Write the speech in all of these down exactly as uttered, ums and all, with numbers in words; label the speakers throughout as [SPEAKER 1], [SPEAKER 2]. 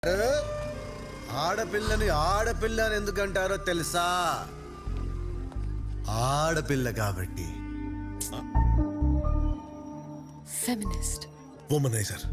[SPEAKER 1] ఆడపిల్లని ఆడపిల్ల అని ఎందుకంటారో తెలుసా? ఆడపిల్ల కాబట్టి.
[SPEAKER 2] Feminist,
[SPEAKER 3] womanizer.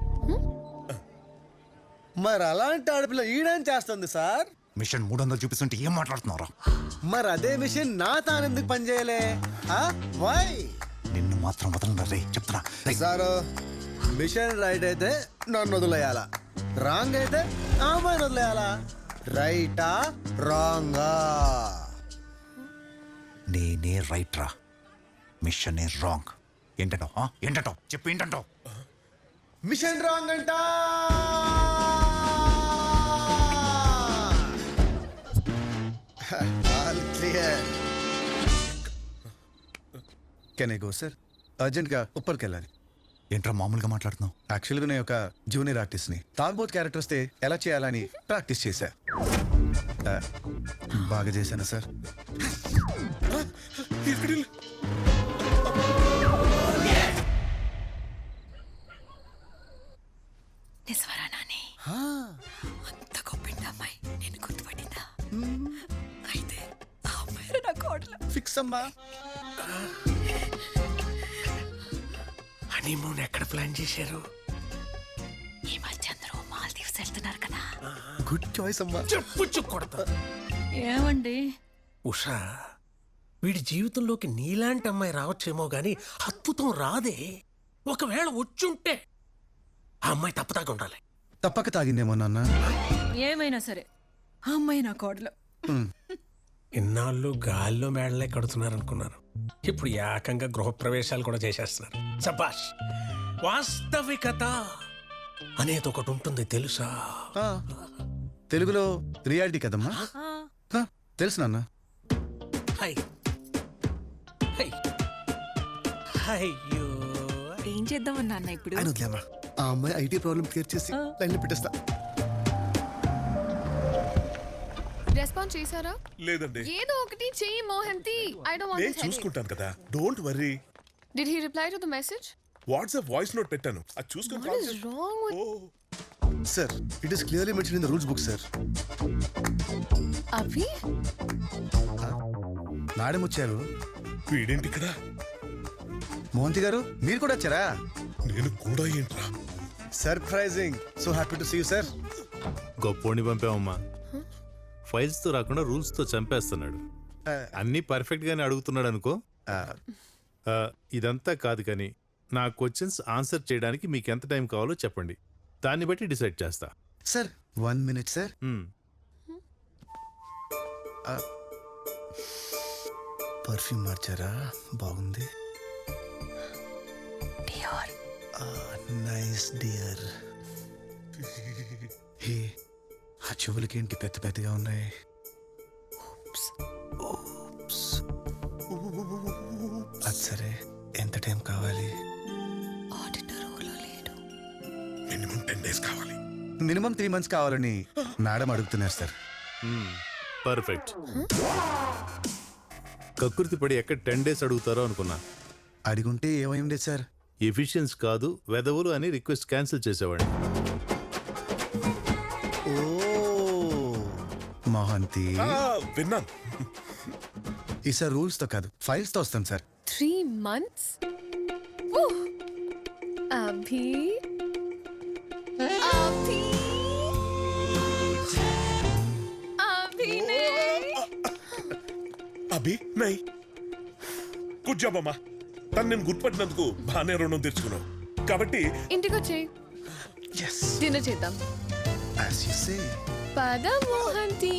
[SPEAKER 1] మరి అలాంటి ఆడపిల్ల ఈడేం చేస్తుంది సార్?
[SPEAKER 4] మిషన్ మూడు వందలు చూపిస్తుంటే ఏం మాట్లాడుతున్నారా?
[SPEAKER 1] మరి అదే మిషన్ నా తానెందుకు పనిచేయలే? వై?
[SPEAKER 4] నిన్ను మాత్రం వదలరా రే, చెప్తున్నా.
[SPEAKER 1] సారు, మిషన్ రైట్ అయితే నన్ను వదిలేయాలా, రాంగ్ అయితే ఆమెను వదిలేయాలా? రైటా రాంగా?
[SPEAKER 4] నేనే రైట్ రా, మిషన్ రాంగ్. ఏంటంటో ఏంటంటో చెప్పు, ఏంటంటో?
[SPEAKER 1] మిషన్ రాంగ్ అంట. Clear. Can I go sir? అర్జెంట్గా ఉప్పర్కి వెళ్ళాలి.
[SPEAKER 4] ఏంట్రా మామూలుగా మాట్లాడుతున్నావు?
[SPEAKER 1] యాక్చువల్గా నేను ఒక జూనియర్ ఆర్టిస్ట్ని. తాగుబోత్ క్యారెక్టర్ వస్తే ఎలా చేయాలని ప్రాక్టీస్ చేశా. ఆ, బాగా చేశాను సార్.
[SPEAKER 2] నిజవరా నాని? అంత గొప్పింది అమ్మాయి నేను గుర్తుపట్టిందా? అయితే ఆ అమ్మాయి నా కోడలు.
[SPEAKER 1] ఫిక్స్ అమ్మా.
[SPEAKER 3] హనీమూన్ ఎక్కడ ప్లాన్ చేశారు?
[SPEAKER 2] ఈ మధ్య అందరూ మాల్దీవ్స్ వెళ్తున్నారు కదా.
[SPEAKER 1] గుడ్ చాయిస్ అమ్మా.
[SPEAKER 3] చెప్పు కొడతా.
[SPEAKER 2] ఏమండి
[SPEAKER 3] ఉషా, వీడి జీవితంలోకి నీలాంటి అమ్మాయి రావచ్చేమో గాని అద్భుతం రాదే. ఒకవేళ వచ్చుంటే ఆ అమ్మాయి తప్పదాకా ఉండాలి.
[SPEAKER 1] తప్పక తాగిందేమో నాన్న.
[SPEAKER 2] ఏమైనా సరే ఆ అమ్మాయి నా కోడలు.
[SPEAKER 3] ఇన్నాళ్ళు గాల్లో మేడలే కడుతున్నారు అనుకున్నాను, ఇప్పుడు ఏకంగా గృహప్రవేశాలు కూడా చేసేస్తున్నారు. సబాష్. వాస్తవికత అనేది ఒకటి ఉంటుంది తెలుసా?
[SPEAKER 1] ఆ, తెలుగులో రియాలిటీ కదమ్మా. ఆ, తెలుసు నాన్న.
[SPEAKER 3] హై హై అయ్యో,
[SPEAKER 2] ఏం చేద్దామన్నా అన్న ఇప్పుడు?
[SPEAKER 1] ఆయన వదిలేమ్మా. ఆ అమ్మాయి ఐటీ ప్రాబ్లం క్లియర్ చేసి లైన్లో పెట్టేస్తా.
[SPEAKER 5] రెస్పాన్స్ చేశారా?
[SPEAKER 6] లేదండి.
[SPEAKER 5] ఏదో ఒకటి చెయ్యి మోహంతి. ఐ డోంట్ వాంట్
[SPEAKER 6] నేను
[SPEAKER 5] దిస్.
[SPEAKER 6] చూసుకుంటాను కదా, don't worry.
[SPEAKER 5] Did he reply to the message?
[SPEAKER 6] WhatsApp voice note పెట్టాను, అది చూసుకొని
[SPEAKER 5] What is wrong with
[SPEAKER 1] సార్, it is clearly mention in the rules book sir.
[SPEAKER 5] Abhi?
[SPEAKER 1] Madam వచ్చారు.
[SPEAKER 6] వీడేంటి ఇక్కడ?
[SPEAKER 1] మోహంతి గారు మీరు కూడా వచ్చారా?
[SPEAKER 6] నేను కూడా ఏంట్రా?
[SPEAKER 1] Surprising. So happy to see you sir.
[SPEAKER 7] గొప్పోడిని పంపామమ్మా. ఫైల్స్ తో రాకుండా రూల్స్ తో చంపేస్తున్నాడు. అన్ని పర్ఫెక్ట్ గానే అడుగుతున్నాడు అనుకో. ఆ, ఇదంతా కాదు కానీ నా క్వశ్చన్స్ ఆన్సర్ చేయడానికి మీకు ఎంత టైం కావాలో చెప్పండి, దాన్ని బట్టి డిసైడ్ చేస్తా.
[SPEAKER 1] Sir one minute sir.
[SPEAKER 7] మ్మ్.
[SPEAKER 1] పర్ఫ్యూమ్ మార్చారా? బాగుంది.
[SPEAKER 2] డియోర్.
[SPEAKER 1] Nice dear. హే, ఆ చెవులకి ఏంటి పెద్ద పెద్దగా ఉన్నాయి? Oops. అది సరే, ఎంత టైం కావాలి?
[SPEAKER 2] ఆడిటర్లో లేడు.
[SPEAKER 6] మినిమం టెన్ డేస్ కావాలి.
[SPEAKER 1] మినిమం త్రీ మంత్స్ కావాలని మేడం అడుగుతున్నారు సార్.
[SPEAKER 7] మ్మ్. పర్ఫెక్ట్. కకృతి పడి ఎక్కడ టెన్ డేస్ అడుగుతారో అనుకున్నా.
[SPEAKER 1] అడిగుంటే ఏమైంది సార్?
[SPEAKER 7] ఎఫిషియన్స్ కాదు వెదవులు అని రిక్వెస్ట్ క్యాన్సిల్ చేసేవాడిని.
[SPEAKER 1] ఓ మోహంతి,
[SPEAKER 6] ఆ, విన్నాను.
[SPEAKER 1] ఈసారి రూల్స్ తో కాదు ఫైల్స్ తో వస్తాం sir.
[SPEAKER 5] Three months? Woo! Abhi? Abhi? అభినే?
[SPEAKER 6] అభి నై. గుడ్ జాబ్ అమ్మా. తను నేను గుర్తుపట్టినందుకు బాగానే రుణం తెచ్చుకున్నావు కాబట్టి
[SPEAKER 5] ఇంటికి వచ్చేయ్,
[SPEAKER 1] yes
[SPEAKER 5] డిన్నర్ చేద్దాం.
[SPEAKER 1] as you say.
[SPEAKER 5] పద మోహంతి.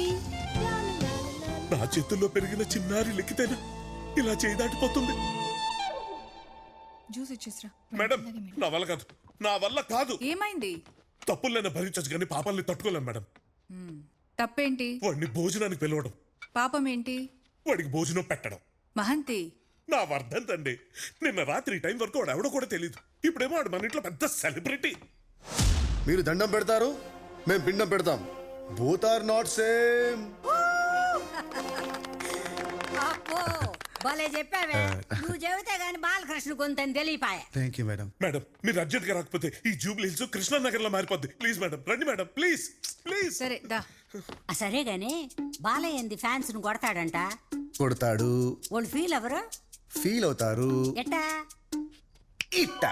[SPEAKER 6] నా చేతుల్లో పెరిగిన చిన్నారి లెక్కితేనా ఇలా చేయి దాటిపోతుంది?
[SPEAKER 2] జ్యూస్ ఇచ్చేసిరా.
[SPEAKER 6] మేడం, నా వల్ల కాదు, నా వల్ల కాదు.
[SPEAKER 8] ఏమైంది?
[SPEAKER 6] తప్పులైనా భరించచ్చు కానీ పాపాలని తట్టుకోలేను మేడం.
[SPEAKER 8] తప్పేంటి?
[SPEAKER 6] వాడిని భోజనానికి పిలవడం,
[SPEAKER 8] పాపం ఏంటి?
[SPEAKER 6] వాడికి భోజనం పెట్టడం.
[SPEAKER 8] మహంతి,
[SPEAKER 6] నా వర్ధంతండి. నిన్న రాత్రి టైం వరకు వాడు ఎవడో కూడా తెలియదు. ఇప్పుడేమో వాడు మన ఇంట్లో పెద్ద సెలబ్రిటీ.
[SPEAKER 1] మీరు దండం పెడతారు, మేము పిండం పెడతాం. Both are not same.
[SPEAKER 9] భలే చెప్పావే నువ్వు చెబితే గాని బాలకృష్ణ కొంతని తెలియపాయ.
[SPEAKER 1] Thank you madam.
[SPEAKER 6] మేడం మీరు అర్జెంట్ గా రాకపోతే ఈ జూబ్లీ హిల్స్ కృష్ణానగర్ లో మారిపోద్ది. ప్లీజ్ మేడం రండి మేడం ప్లీజ్ ప్లీజ్.
[SPEAKER 8] సరే దా.
[SPEAKER 9] ఆ, సరే గాని బాలయ్య ఏంది ఫ్యాన్స్ ను కొడతాడంట.
[SPEAKER 1] కొడతాడు,
[SPEAKER 9] వాళ్ళు ఫీల్ ఎవరు
[SPEAKER 1] ఫీల్ అవుతారు.
[SPEAKER 9] ఎట్టా?
[SPEAKER 1] ఇట్ట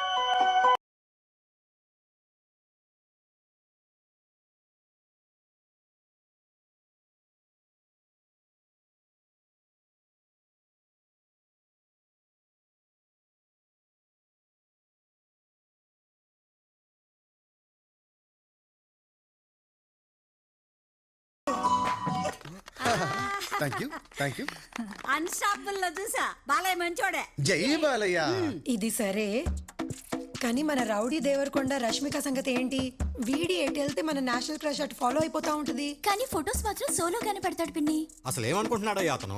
[SPEAKER 1] thank you thank you.
[SPEAKER 9] Unstoppable లో చూసా బాలయ్య మంచోడే.
[SPEAKER 1] జై బాలయ్య.
[SPEAKER 10] ఇది సరే కానీ మన రౌడీ దేవరకొండ రష్మిక సంగతి ఏంటి? వీడి ఎటు వెళ్తే మన నేషనల్ క్రష్ అటు ఫాలో అయిపోతా ఉంటది.
[SPEAKER 2] కానీ ఫొటోస్ మాత్రం సోలోగానే పెడతాడు పిన్ని.
[SPEAKER 11] అసలు ఏమనుకుంటున్నాడయ్యా అతను?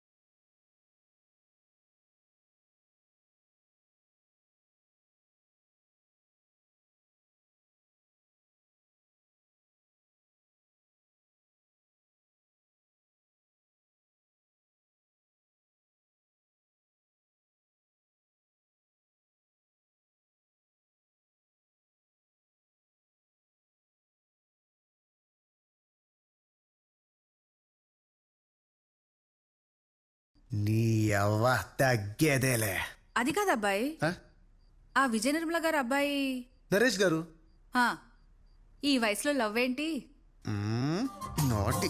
[SPEAKER 1] నీ అవ్వ తగ్గేదేలే.
[SPEAKER 8] అది కాదు అబ్బాయి,
[SPEAKER 1] ఆ?
[SPEAKER 8] ఆ విజయ నిర్మల గారు అబ్బాయి.
[SPEAKER 1] నరేష్ గారు.
[SPEAKER 8] ఆ, ఈ వయసులో లవ్ ఏంటి?
[SPEAKER 1] నాటి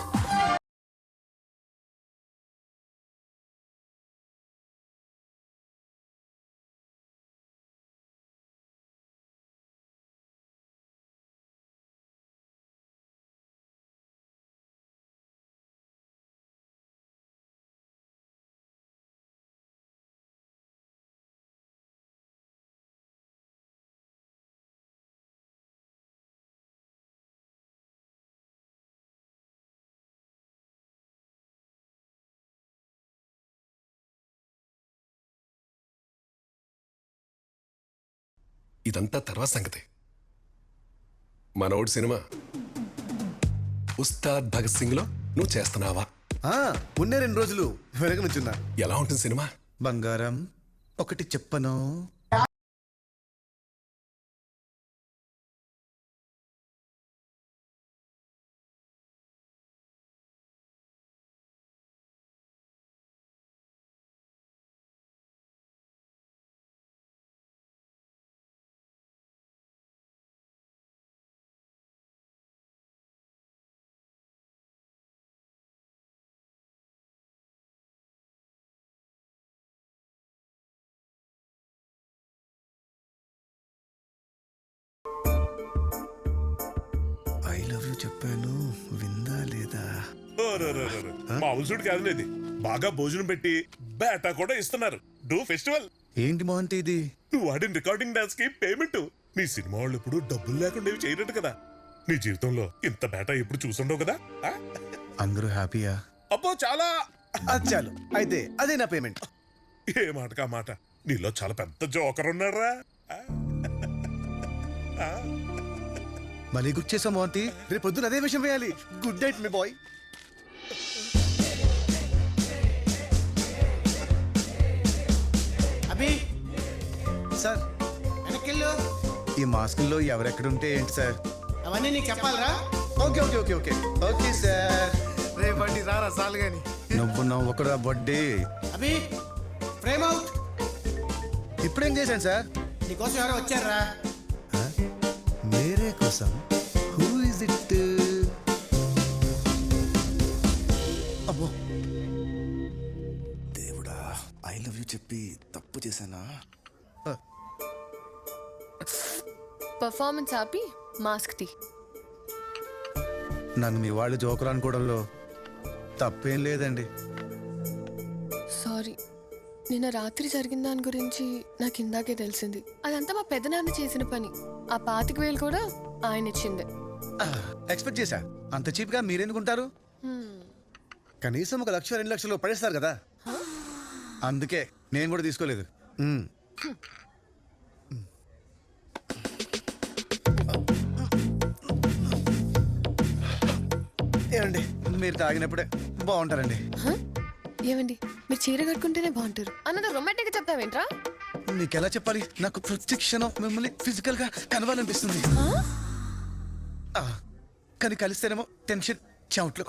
[SPEAKER 12] ఇదంతా తర్వాత సంగతి. మనోడు సినిమా ఉస్తాద్ భగత్ సింగ్ లో నువ్వు చేస్తున్నావా?
[SPEAKER 1] ఉన్నే రెండు రోజులు వెనకనుచున్నా.
[SPEAKER 12] ఎలా ఉంటుంది సినిమా?
[SPEAKER 1] బంగారం ఒకటి చెప్పను. ఐ లవ్ యూ చెప్పాను, విందా లేదా?
[SPEAKER 6] మామూలు కాదు ఇది. బాగా భోజనం పెట్టి బేటా కూడా ఇస్తున్నారు. డూ ఫెస్టివల్.
[SPEAKER 1] ఏంటి మోహంతి ఇది?
[SPEAKER 6] నువ్వు ఆడిన రికార్డింగ్ డాన్స్ కి పేమెంట్. నీ సినిమా వాళ్ళు ఎప్పుడు డబ్బులు లేకుండా ఇవి చేయనట్టు కదా. నీ జీవితంలో ఇంత బేటా ఎప్పుడు చూసుండవు కదా. ఆ?
[SPEAKER 1] అందరూ హ్యాపీయా?
[SPEAKER 6] అబ్బో చాలా.
[SPEAKER 1] అది చాలు అయితే అదే నా పేమెంట్.
[SPEAKER 6] ఏ మాటకా మాట. నీలో చాలా పెద్ద జోకర్ ఉన్నారా.
[SPEAKER 1] మళ్ళీ గుర్తు చేసాం మోహంతి. రేపు పొద్దున అదే విషయం వేయాలి. గుడ్ నైట్ మీ బాయ్.
[SPEAKER 11] అభి
[SPEAKER 1] సార్
[SPEAKER 11] వెనకెళ్ళు.
[SPEAKER 1] ఈ మాస్కుల్లో ఎవరెక్కడుంటే ఏంటి సార్?
[SPEAKER 11] అవన్నీ నీకు చెప్పాలరా?
[SPEAKER 1] Okay okay okay okay okay sir.
[SPEAKER 11] రేపటి రారా సాలు గాని.
[SPEAKER 1] నువ్వు నవ్వకురా బడ్డీ.
[SPEAKER 11] Abhi frame out.
[SPEAKER 1] ఇప్పుడేం చేశాను సార్?
[SPEAKER 11] నీకోసం ఎవరో వచ్చారా?
[SPEAKER 1] మేరే కోసం. Who is it? అమ్మో దేవుడా, ఐ లవ్ యూ చెప్పి తప్పు చేశానా?
[SPEAKER 5] పర్ఫార్మెన్స్ ఆపి మాస్క్ తీ.
[SPEAKER 1] నన్ను మీ వాళ్ళు జోకర్ అనుకోవడంలో తప్పేం లేదండి.
[SPEAKER 5] సారీ, నిన్న రాత్రి జరిగిన దాని గురించి నాకు ఇందాకే తెలిసింది. అదంతా మా పెద్దనాన్న చేసిన పని. ఆ పాతిక వేలు కూడా ఆయన ఇచ్చిందే.
[SPEAKER 1] ఎక్స్పెక్ట్ చేశా. అంత చీప్ గా మీరెందుకుంటారు? కనీసం ఒక లక్ష రెండు లక్షలు పడేస్తారు కదా, అందుకే నేను కూడా తీసుకోలేదు. మ్మ్. ఏమండి, మీరు తాగినప్పుడే బాగుంటారండి.
[SPEAKER 5] ఏమండి మీరు చీర కట్టుకుంటేనే బాగుంటారు అన్నది రొమాంటిక్ గా చెప్తావేంట్రా?
[SPEAKER 1] నీకు ఎలా చెప్పాలి? నాకు ప్రతి క్షణం మిమ్మల్ని ఫిజికల్ గా కలవాలనిపిస్తుంది. ఆ, కానీ కలిస్తేనేమో టెన్షన్ చెమట్లు.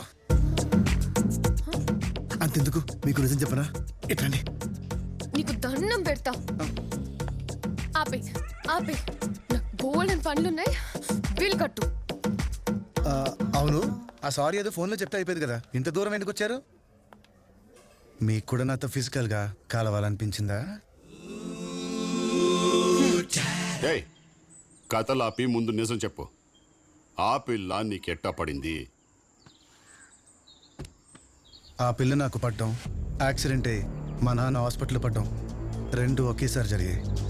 [SPEAKER 1] అంతెందుకు మీకు నిజం చెప్పనా? ఎట్లండి
[SPEAKER 5] నీకు దండం పెడతా. ఆపే ఆపే నాకు బోల్డెన్ పనులున్నాయి. బిల్ కట్టు.
[SPEAKER 1] ఆ, అవును, ఆ సారీ ఏదో ఫోన్లో చెప్తే అయిపోయింది కదా, ఇంత దూరం ఎందుకు వచ్చారు? మీకు కూడా నాతో ఫిజికల్ గా కలవాలనిపించిందా?
[SPEAKER 13] ఏయ్, కథలాపి ముందు నిజం చెప్పు. ఆ పిల్ల నీకెట్టా పడింది?
[SPEAKER 1] ఆ పిల్ల నాకు పడ్డం, యాక్సిడెంట్ అయ్యి మా నాన్న హాస్పిటల్ పడ్డం రెండు ఒకేసారి జరిగాయి.